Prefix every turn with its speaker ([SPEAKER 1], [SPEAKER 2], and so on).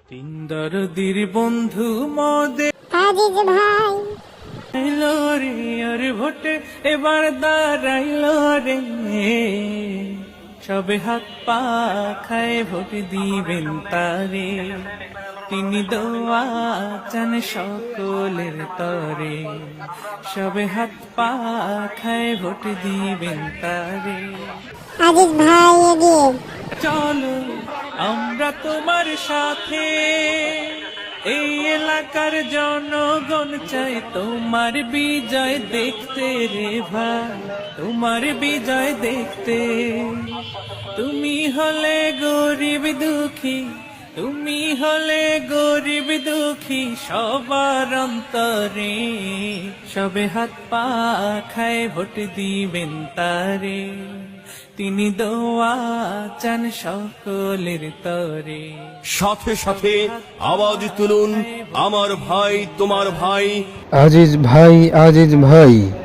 [SPEAKER 1] তিন দরদির বন্ধু মদে
[SPEAKER 2] আজিজ ভাই
[SPEAKER 1] এলো রে আর ভোটে এবার দাঁড়াইল রে, সবে হাত পা খায় ভোট দিবেন তারে, তিনি দোয়া চান সকলের তরে, সবে হাত পা খায় ভোট দিবেন তারে।
[SPEAKER 2] আজিজ ভাই এগিয়ে
[SPEAKER 1] চলো আমরা তোমার সাথে, এই এলাকার জনগণ চাই তোমার বিজয় দেখতে রে ভাই, তোমার বিজয় দেখতে। তুমি হলে গরিব দুঃখী, তুমি হলে গরিব দুঃখী সবার অন্তরে, সবে হাত পা খায় ভোট দিবেন তারে, তিনি দোয়া চান সকলের তরে।
[SPEAKER 3] সাথে সাথে আওয়াজ তুলুন, আমার ভাই তোমার ভাই
[SPEAKER 4] আজিজ ভাই, আজিজ ভাই।